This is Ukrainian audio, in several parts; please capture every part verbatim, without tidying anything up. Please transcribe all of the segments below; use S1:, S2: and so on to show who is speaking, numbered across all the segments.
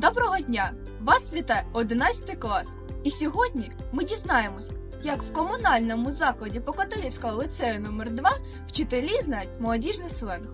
S1: Доброго дня! Вас вітає одинадцятий клас. І сьогодні ми дізнаємось, як в комунальному закладі Покотилівського ліцею номер два вчителі знають молодіжний сленг.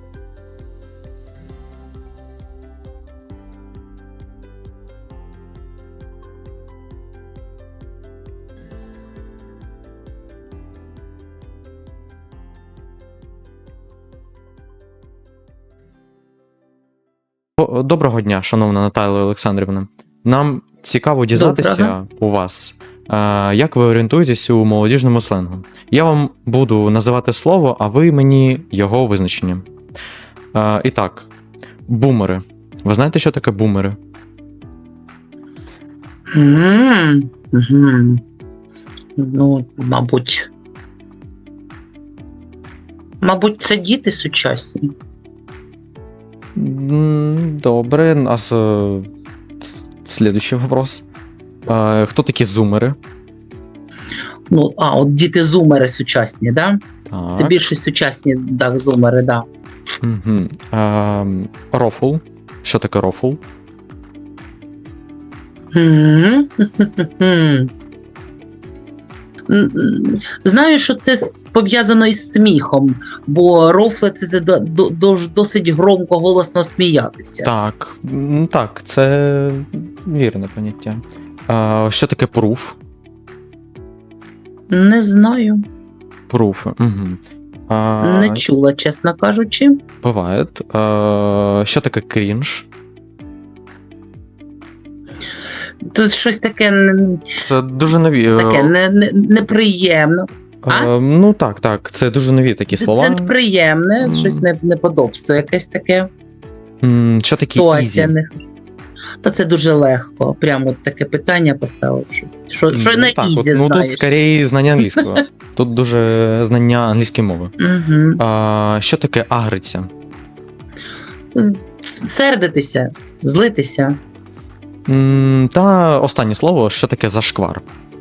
S2: О, Доброго дня, шановна Наталія Олександрівна. Нам цікаво дізнатися
S3: Доброго.
S2: у вас, е, як ви орієнтуєтесь у молодіжному сленгу. Я вам буду називати слово, а ви мені його визначення. Е, І так, бумери. Ви знаєте, що таке бумери?
S3: М, мгм. Ну, мабуть. Мабуть, це діти сучасні.
S2: М, Добре, а с- е, слідуючий вопрос. Е, Хто такі зумери?
S3: Ну, а, от діти-зумери сучасні, да?
S2: Так.
S3: Це більше сучасні, так, зумери, да.
S2: Угу. Е, Рофл. Що таке рофл?
S3: М, м. М, м. Знаю, що це с- пов'язано із сміхом, бо рофли це до- до- дож- досить громко, голосно сміятися.
S2: Так, м, так, це вірне поняття. А, що таке пруф?
S3: Не знаю,
S2: Пруф. Угу. А,
S3: не чула, чесно кажучи.
S2: буває. А, що таке крінж?
S3: Тут щось таке, н-
S2: Це дуже нові. е,
S3: таке не, не, неприємно. а?
S2: е, ну так, так, це дуже нові такі слова.
S3: Це неприємне,
S2: М.
S3: щось не, неподобство, якесь таке.
S2: М, Що таке
S3: Ситуація
S2: ізі?
S3: не- Та це дуже легко. Прямо от таке питання поставив. Що, що, що на
S2: так,
S3: ізі
S2: от, ну тут
S3: знаєш.
S2: скоріше знання англійського. Тут дуже знання англійської мови.
S3: Угу.
S2: А, що таке агриця?
S3: Сердитися, злитися.
S2: М, Та останнє слово, що таке зашквар?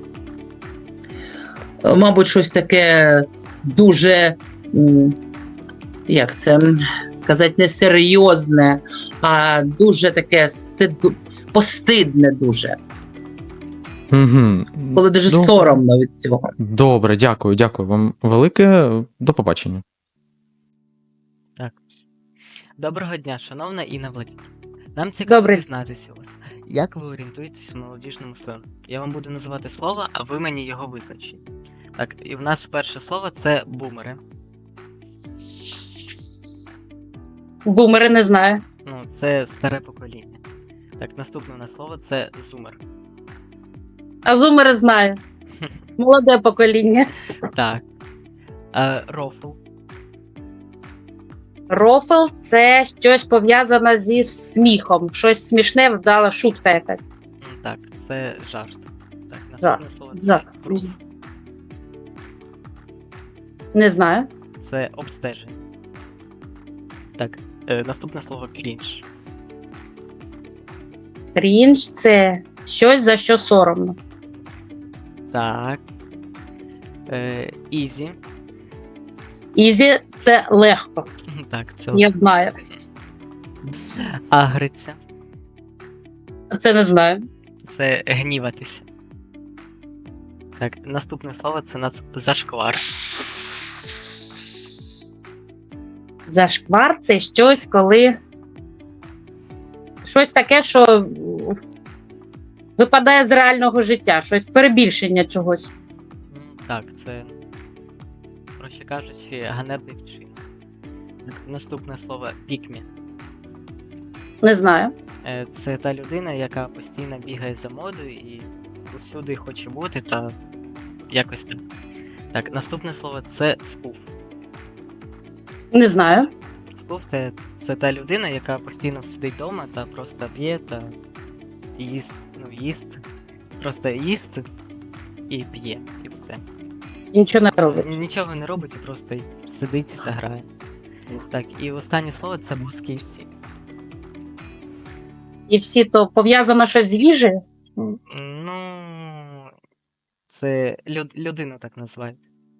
S3: Мабуть, щось таке дуже, м, як це м, сказати, не серйозне, а дуже таке стиду, постидне дуже.
S2: Угу.
S3: Коли дуже
S2: Добре.
S3: соромно від цього.
S2: Добре, дякую, дякую вам велике. До побачення.
S4: Доброго дня, шановна Інна Владимирівна. Нам цікаво
S3: Добре.
S4: дізнатися у вас, як ви орієнтуєтесь в молодіжному сленгу. Я вам буду називати слово, а ви мені його визначите. Так, і в нас перше слово це бумери.
S5: Бумери не знаю.
S4: Ну, це старе покоління. Так, наступне у нас слово це зумер.
S5: А зумери знаю. Молоде покоління.
S4: Так. Е, рофл.
S5: Рофл це щось пов'язане зі сміхом. Щось смішне, вдала шутка якась.
S4: М, Так, це жарт. Так, наступне слово це
S5: Жарт.
S4: пруф.
S5: Не знаю.
S4: Це обстеження. Так, е, наступне слово крінж.
S5: Крінж це щось, за що соромно.
S4: Так. Е, ізі.
S5: Ізі це легко.
S4: Так, це
S5: Я знаю.
S4: агриця.
S5: Це не знаю.
S4: Це гніватися. Так, наступне слово це у нас зашквар.
S5: Зашквар це щось, коли. Щось таке, що випадає з реального життя, щось перебільшення чогось.
S4: М, Так, це, проще кажучи, ганебний вчинок. Так, наступне слово пікмі.
S5: Не знаю.
S4: Е, Це та людина, яка постійно бігає за модою і усюди хоче бути та якось так. Так, наступне слово це скуф.
S5: Не знаю.
S4: Скуф це, це та людина, яка постійно сидить вдома та просто п'є та їсть, ну, їсть. Просто їсть і п'є, і все.
S5: Нічого не робить.
S4: Ні- Нічого не робить, і просто сидить та грає. Так, і останнє слово це боски всі.
S5: І всі то пов'язано щось з їжею.
S4: Ну, це люд, людину так називають.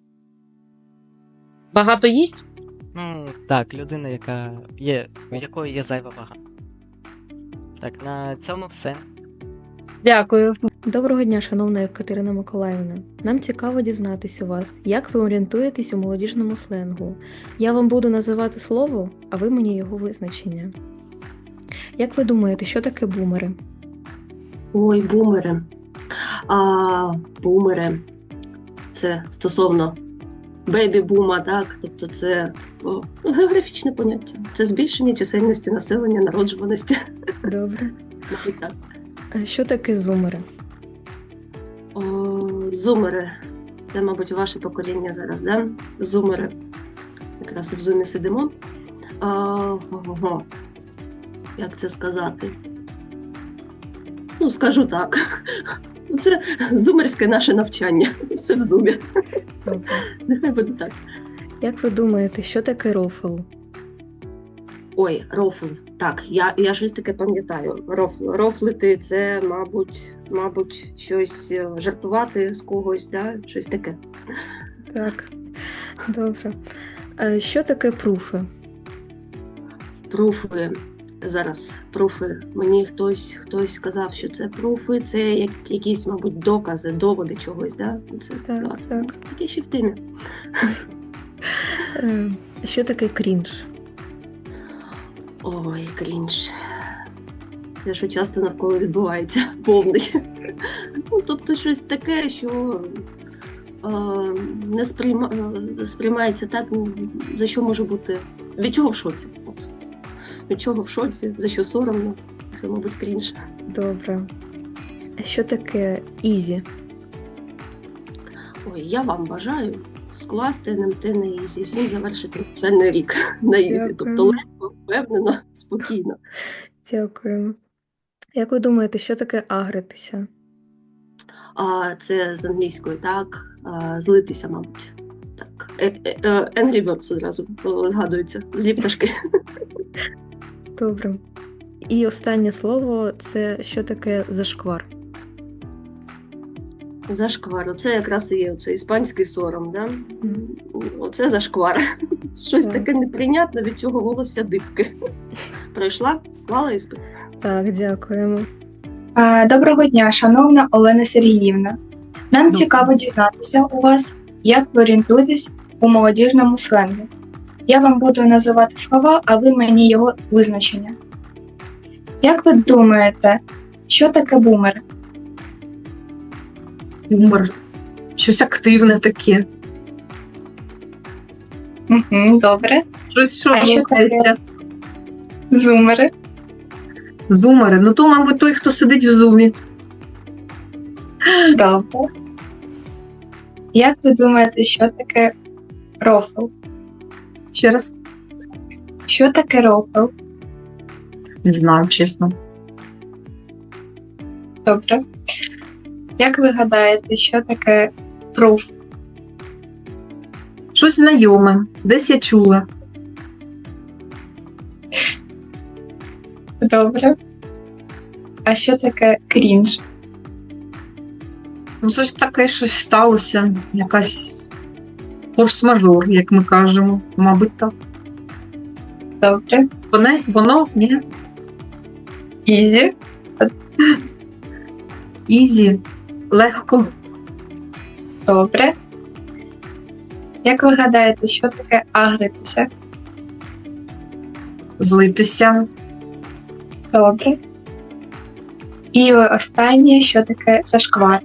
S5: Багато їсть.
S4: Ну, так, людина, яка є, у якої є зайва вага. Так, на цьому все.
S5: Дякую.
S6: Доброго дня, шановна Катерина Миколаївна. Нам цікаво дізнатись у вас, як ви орієнтуєтесь у молодіжному сленгу. Я вам буду називати слово, а ви мені його визначення. Як ви думаєте, що таке бумери?
S7: Ой, бумери. А, бумери. Це стосовно бейбі-бума, так? Тобто це о, географічне поняття. Це збільшення чисельності населення, народжуваності.
S6: Добре.
S7: Мабуть, так.
S6: А що таке зумери?
S7: О, зумери. Це, мабуть, ваше покоління зараз, да? Зумери. Якраз в зумі сидимо. А, ого. Як це сказати? Ну, скажу так. Це зумерське наше навчання. Все в зумі.
S6: Добре.
S7: Нехай буде так.
S6: Як ви думаєте, що таке рофл?
S7: Ой, рофл. Так, я, я щось таке пам'ятаю. Рофл. Рофлити це, мабуть, мабуть, щось е, жартувати з когось, да? Щось таке.
S6: Так. Добре. А що таке пруфи?
S7: Пруфи. Зараз пруфи. Мені хтось, хтось сказав, що це пруфи, це як, якісь, мабуть, докази, доводи чогось, да? Це,
S6: Так,
S7: да.
S6: так.
S7: Таке ще в темі.
S6: Е, Що таке крінж?
S7: Ой, крінж. Це що часто навколо відбувається, повний. Ну, тобто щось таке, що е, не сприйма, е, сприймається так, ну, за що може бути. Від чого в шоці? От. Від чого в шоці, за що соромно. Це, мабуть, крінж.
S6: Добре. А що таке ізі?
S7: Ой, я вам бажаю скласти ен ем те на ізі, і всім завершити навчальний рік на ізі.
S6: Дякую.
S7: Тобто легко, впевнено, спокійно.
S6: Дякуємо. Як ви думаєте, що таке агритися?
S7: А це з англійської, так, а, злитися, мабуть. Так. Е- е- е, Angry Birds одразу о, згадується. Злі пташки.
S6: Добре. І останнє слово це що таке зашквар?
S7: Зашквар. Оце якраз і є оце іспанський сором, да? Оце зашквар. Щось
S6: Так.
S7: таке неприйнятне, від чого волосся дибки. Пройшла, склала іспит.
S6: Так, дякуємо.
S8: Е, Доброго дня, шановна Олена Сергіївна. Нам цікаво дізнатися у вас, як ви орієнтуєтесь у молодіжному сленгу. Я вам буду називати слова, а ви мені його визначення. Як ви думаєте, що таке бумер?
S9: Бумер. Щось активне таке.
S8: Угу, добре.
S9: Щось, що
S8: А що
S9: рухається.
S8: Зумери.
S9: Зумери. Ну то, мабуть, той, хто сидить в зумі.
S8: Добре. Як ви думаєте, що таке рофл?
S9: Ще раз.
S8: Що таке рофл?
S9: Не знаю, чесно.
S8: Добре. Як ви гадаєте, що таке пруф?
S9: Щось знайоме. Десь я чула.
S8: Добре. А що таке крінж?
S9: Ну, щось таке, щось сталося. Якась форс-мажор, як ми кажемо. Мабуть, так.
S8: Добре.
S9: Воно? Воно? Ні.
S8: Ізі.
S9: Ізі. Легко.
S8: Добре. Як ви гадаєте, що таке агритися?
S9: Злитися.
S8: Добре. І останнє, що таке зашквар?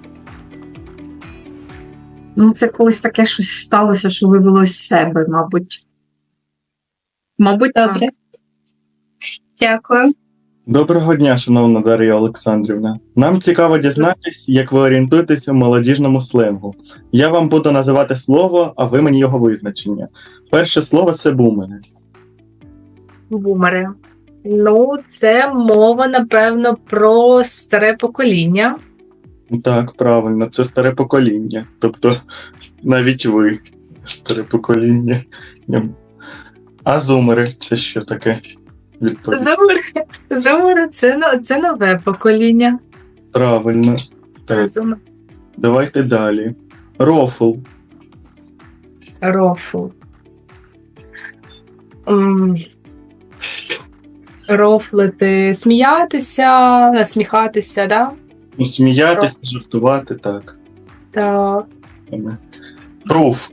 S9: Ну, це колись таке щось сталося, що вивело з себе, мабуть. Мабуть, так.
S8: Добре. Дякую.
S10: Доброго дня, шановна Дар'я Олександрівна. Нам цікаво дізнатись, як ви орієнтуєтесь у молодіжному сленгу. Я вам буду називати слово, а ви мені його визначення. Перше слово – це бумери.
S11: Бумери. Ну, це мова, напевно, про старе покоління.
S10: Так, правильно, це старе покоління. Тобто, навіть ви старе покоління. А зумери – це що таке? Відповідь.
S11: Зумери, зумери це, но- це нове покоління.
S10: Правильно. Так,
S11: Зумер.
S10: давайте далі. Рофл.
S11: Рофл. М. Рофлити, сміятися, насміхатися, да?
S10: Ну, сміятися, жартувати, так.
S11: Так.
S10: Пруф.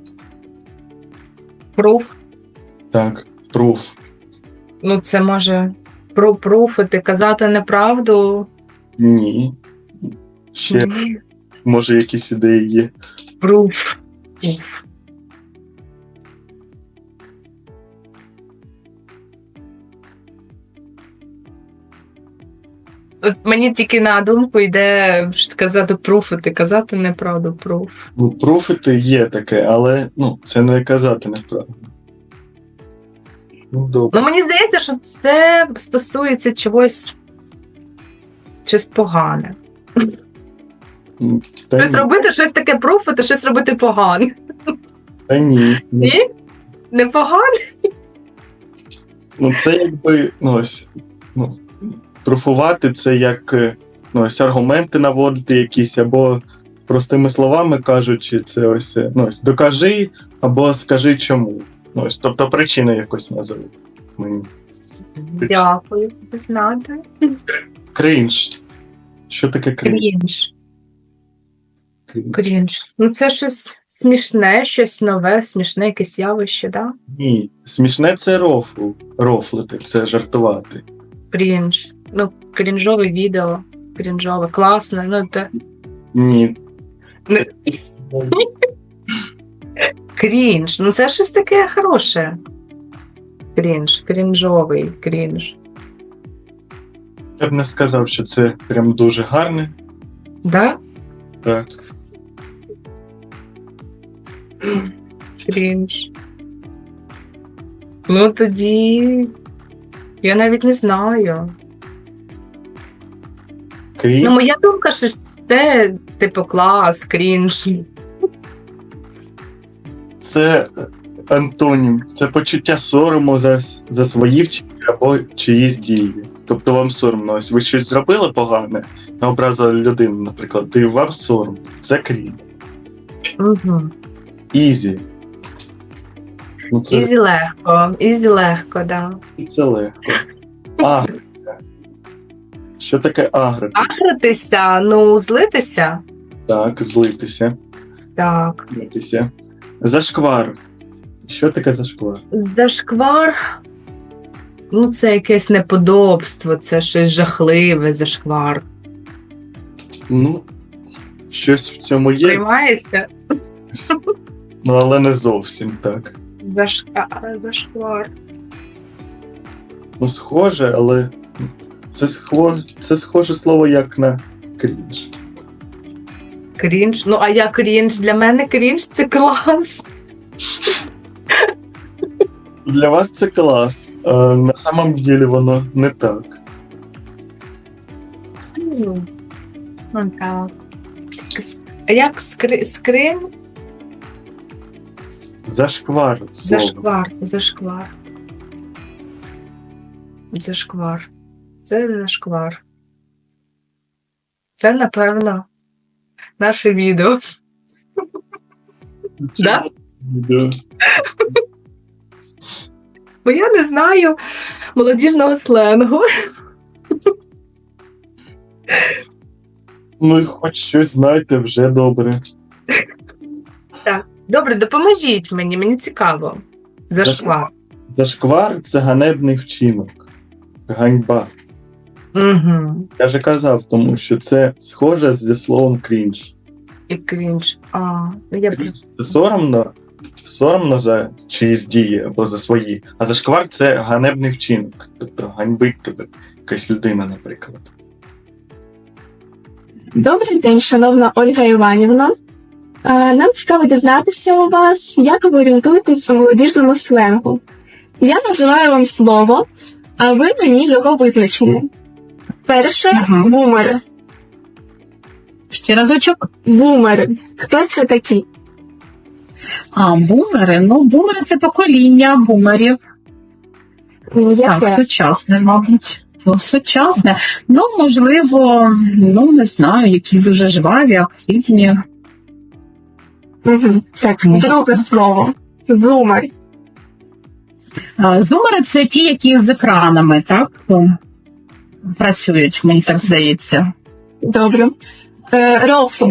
S11: Пруф.
S10: Так, пруф.
S11: Ну, це може про пруфити, казати неправду.
S10: Ні. Ще, може, якісь ідеї є.
S11: Пруф. Пруф. От мені тільки на думку йде сказати пруфити, казати неправду, пруф.
S10: Ну, пруфити є таке, але ну, це не казати неправильно. Ну, добре.
S11: Ну, мені здається, що це стосується чогось, щось погане.
S10: Та
S11: Щось
S10: ні.
S11: робити, щось таке пруфити, щось робити погане.
S10: Та ні.
S11: Ні? Не погане?
S10: Ну, це якби, ну, ось, ну, пруфувати це як, е, ну, ось аргументи наводити якісь, або простими словами кажучи, це ось, е, ну, ось докажи, або скажи чому. Ну, ось, тобто причину якось назови мені.
S11: Дякую, знати.
S10: Крінж. Що таке крінж?
S11: Крінж.
S10: Крінж.
S11: Крінж. Ну, це щось смішне, щось нове, смішне якесь явище, да?
S10: Ні, смішне це рофл. Рофлити, це жартувати.
S11: Крінж. Ну, крінжове відео. Крінжове, класне. Ну, те...
S10: Ні.
S11: Не... Крінж. Ну, це щось таке хороше. Крінж. Крінжовий крінж.
S10: Я б не сказав, що це прям дуже гарне.
S11: Да?
S10: Так.
S11: Крінж. Ну, тоді... Я навіть не знаю.
S10: Крінж.
S11: Ну, моя думка, що це, типу, клас, крінж.
S10: Це антонім, це почуття сорому за, за свої вчинки або чиїсь дії. Тобто вам соромно. Ось ви щось зробили погане, образили людину, наприклад, і вам сором. Це крінж.
S11: Угу.
S10: Ізі. Ну, це,
S11: Ізі легко, ізі легко, да.
S10: це легко. Агритися. Що таке агрити?
S11: Агритися, ну, злитися.
S10: Так, злитися.
S11: Так.
S10: Злитися. Зашквар. Що таке зашквар?
S11: Зашквар. Ну, це якесь неподобство, це щось жахливе, зашквар.
S10: Ну, щось в цьому є,
S11: Приймається?
S10: ну, але не зовсім так.
S11: Зашка... Зашквар.
S10: Ну, схоже, але це схоже, це схоже слово як на крінж.
S11: Крінж. Ну, а я крінж. Для мене крінж це клас.
S10: Для вас це клас, а на самом деле воно не так.
S11: Ну, так. С- Як скри... скрин?
S10: Зашквар слово.
S11: Зашквар. Зашквар. Зашквар. Це зашквар. Це, напевно, наше відео. Да?
S10: Да.
S11: Бо я не знаю молодіжного сленгу.
S10: Ну, і хоч щось знаєте, вже добре.
S11: Добре, допоможіть мені, мені цікаво. Зашквар.
S10: Зашквар це ганебний вчинок. Ганьба.
S11: Угу.
S10: Я же казав, тому що це схоже зі словом крінж.
S11: І крінж. А, ну я просто...
S10: Це соромно, соромно за чиїсь дії або за свої. А зашквар це ганебний вчинок. Тобто ганьбить тебе якась людина, наприклад.
S12: Добрий день, шановна Ольга Іванівна. Е, Нам цікаво дізнатися у вас, як ви орієнтуєтесь у молодіжному сленгу. Я називаю вам слово, а ви мені його визначення. Перше
S9: Ага.
S12: бумери.
S9: Ще разочок.
S12: Бумери. Хто це такі?
S9: А, бумери. Ну, бумери це покоління бумерів.
S12: Ну,
S9: Так,
S12: яке?
S9: сучасне, мабуть. Ну, сучасне. Ну, можливо, ну, не знаю, які дуже жваві, активні.
S12: Угу. Так, друге слово. Зумер.
S9: А, Зумери це ті, які з екранами, так? О, працюють, мені так здається.
S12: Добре. Е, Рофл.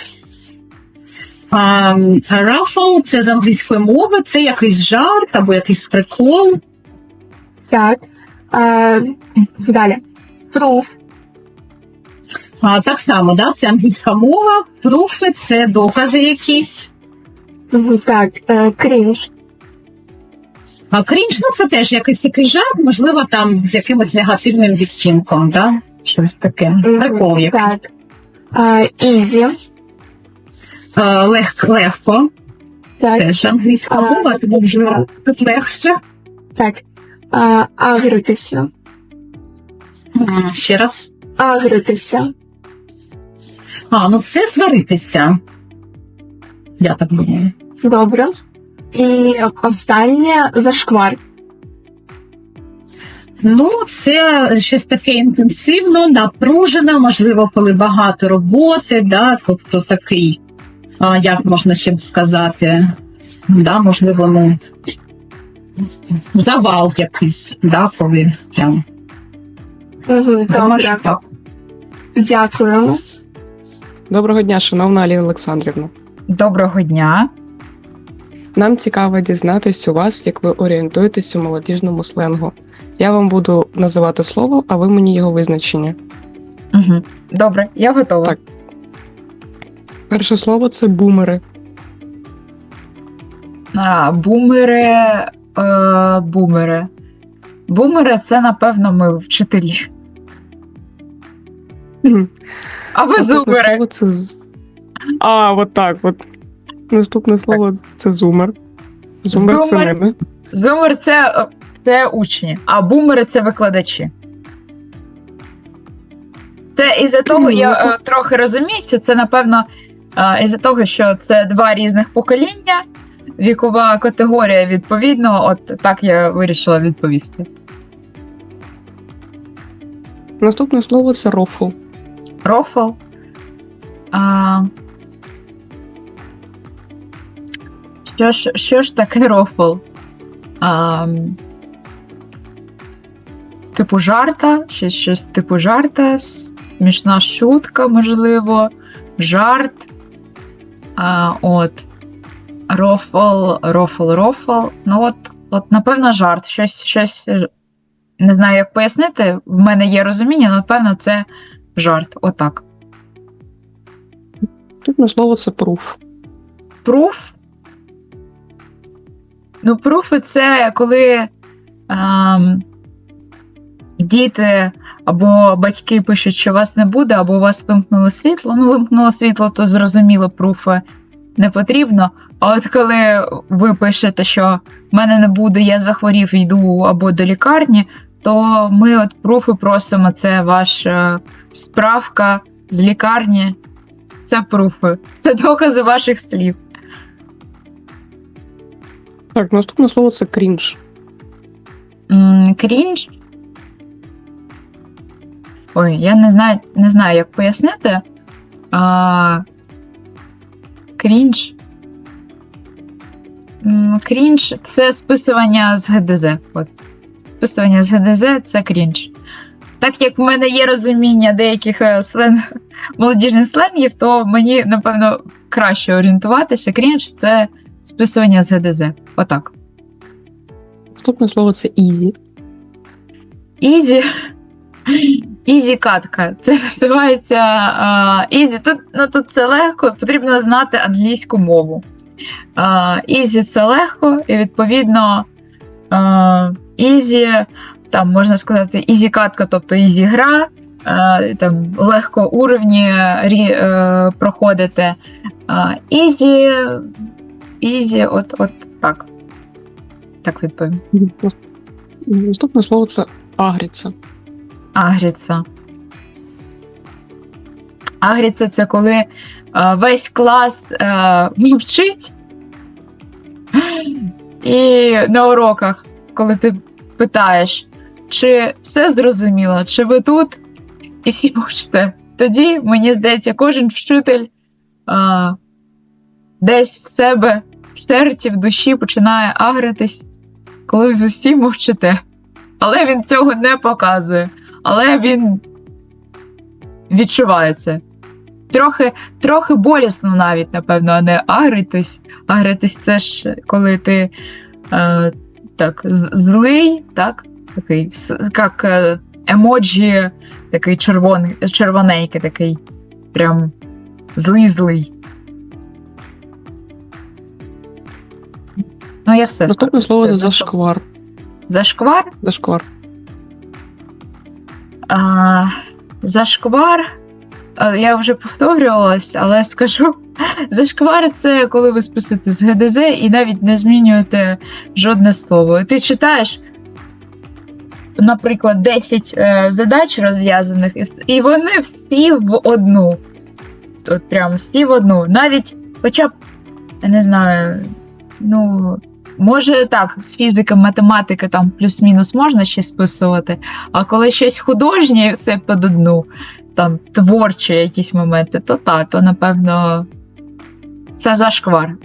S9: А, Рафл це з англійської мови, це якийсь жарт або якийсь прикол.
S12: Так. Е, Далі. Пруф.
S9: А, так само, да? Це англійська мова, пруфи це докази якісь.
S12: Мгм, Так. Е, Крінж.
S9: А крінж, ну це теж якийсь такий жарт, можливо, там з якимось негативним відтінком, да? Щось таке.
S12: Мгм,
S9: Прикол який.
S12: Так. Е, Ізі.
S9: А, лег, легко,
S12: Так.
S9: теж англійська
S12: А,
S9: мова, тому вже тут легше.
S12: Так. Е, Агритися.
S9: М, Ще раз.
S12: Агритися.
S9: А, ну це сваритися. Я так думаю.
S12: Добре. І останнє зашквар.
S9: Ну, це щось таке інтенсивно, напружено, можливо, коли багато роботи, да, тобто такий, а, як можна ще б сказати, да, можливо, ну, завал якийсь, да, коли прям.
S12: Угу,
S9: Може,
S12: добре.
S9: так.
S12: Дякуємо.
S13: Доброго дня, шановна Аліна Олександрівна.
S14: Доброго дня.
S13: Нам цікаво дізнатись у вас, як ви орієнтуєтесь у молодіжному сленгу. Я вам буду називати слово, а ви мені його визначення.
S14: Угу. Добре, я готова.
S13: Так. Перше слово це бумери.
S14: А, бумери, е, бумери. Бумери це, напевно, ми вчителі.
S13: Мгм.
S14: А ви
S13: Наступне
S14: зумери.
S13: слово це з- А, от так от. Наступне слово це зумер. Зумер це
S14: Зумер.
S13: мене.
S14: Зумер це, е, це учні, а бумери це викладачі. Це із-за того, я е, трохи розуміюся, це, напевно, е, із-за того, що це два різних покоління, вікова категорія, відповідно, от так я вирішила відповісти.
S13: Наступне слово це рофл.
S14: Рофл. А... Що ж, що ж таке рофл? А... Типу жарта, щось, щось типу жарта, смішна шутка, можливо, жарт. А, от. Рофл, рофл, рофл. Ну от, от, напевно, жарт. Щось, щось, не знаю, як пояснити. В мене є розуміння, але, напевно, це жарт. Отак.
S13: Наступне слово це пруф.
S14: Пруф. Ну, пруфи це коли ем, діти або батьки пишуть, що вас не буде, або у вас вимкнуло світло. Ну, вимкнуло світло, то зрозуміло, пруфи не потрібно. А от коли ви пишете, що в мене не буде, я захворів, йду або до лікарні, то ми от пруфи просимо, це ваша справка з лікарні. Це пруфи. Це докази ваших слів.
S13: Так, наступне слово це крінж.
S14: М, Крінж. Ой, я не знаю, не знаю, як пояснити. А, крінж. М, Крінж це списування з ге де зет. От. Списування з ге де зет це крінж. Так як в мене є розуміння деяких е, сленг, молодіжних сленгів, то мені, напевно, краще орієнтуватися. Крінж це списування з ге де зет. Отак.
S13: Наступне слово це ізі.
S14: Ізі. Ізі катка. Це називається а, ізі. Тут, ну, тут це легко, потрібно знати англійську мову. А, ізі це легко, і відповідно а, ізі, там можна сказати, ізі катка, тобто ізі гра, а, там легко уровні рі, а, проходити. А, ізі, ізі, от, от так. Так відповім.
S13: Наступне слово це агріться.
S14: Агріться. Агріться це коли е, весь клас е, мовчить. І на уроках, коли ти питаєш, чи все зрозуміло, чи ви тут, і всі мовчите. Тоді, мені здається, кожен вчитель е, десь в себе, в серці, в душі починає агритись, коли ви всі мовчите. Але він цього не показує. Але він відчуває це. Трохи, трохи болісно навіть, напевно, а не агритись. Агритись це ж коли ти е, так, злий, так? Такий, як е, емоджі, такий червоний, червоненький, такий прям злий-злий. Ну, я все.
S13: Наступне
S14: скажу.
S13: слово
S14: Все,
S13: це зашквар.
S14: Зашквар?
S13: Зашквар.
S14: А, зашквар, а, я вже повторювалась, але скажу, зашквар – це коли ви списуєте з ге де зет і навіть не змінюєте жодне слово. Ти читаєш, наприклад, десять е, задач розв'язаних, і вони всі в одну. От прямо всі в одну. Навіть, хоча б, я не знаю, ну... Може так, з фізики, математики там плюс-мінус можна ще списувати, а коли щось художнє і все під одну, там творчі якісь моменти, то так, то напевно це зашквар.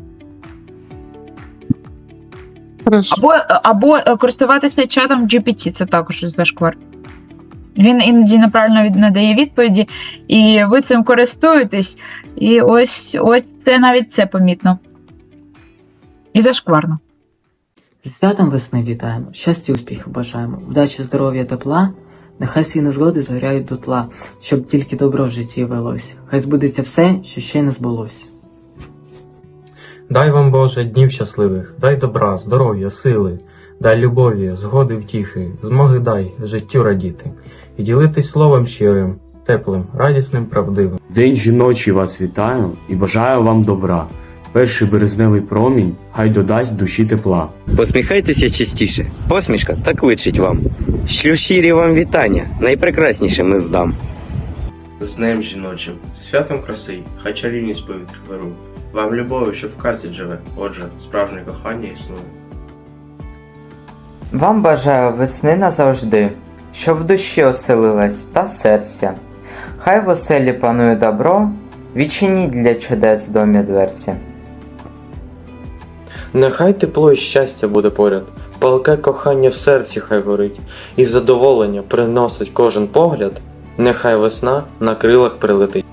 S14: Або, або користуватися чатом джі пі ті, це також зашквар. Він іноді неправильно від- надає відповіді, і ви цим користуєтесь, і ось, ось це навіть це помітно. І зашкварно.
S15: Зі святом весни вітаємо, щастя і успіхів бажаємо, вдачі, здоров'я, тепла, нехай всі незгоди згоряють дотла, щоб тільки добро в житті велось, хай збудеться все, що ще не збулось.
S16: Дай вам, Боже, днів щасливих, дай добра, здоров'я, сили, дай любові, згоди, втіхи, змоги дай життю радіти, і ділитись словом щирим, теплим, радісним, правдивим.
S17: День жіночий вас вітаю і бажаю вам добра. Перший березневий промінь хай додасть душі тепла.
S18: Посміхайтеся частіше, посмішка так личить вам. Шлю щирі вам вітання, найпрекрасніше ми здам.
S19: З днем жіночим, з святом краси, хай чарівність повітря вирує. Вам любові, що в казці живе, отже, справжнє кохання існує.
S20: Вам бажаю весни назавжди, щоб в душі оселилась та серця. Хай в оселі панує добро, відчиніть для чудес в домі дверці.
S2: Нехай тепло і щастя буде поряд, палке кохання в серці хай горить, і задоволення приносить кожен погляд, нехай весна на крилах прилетить.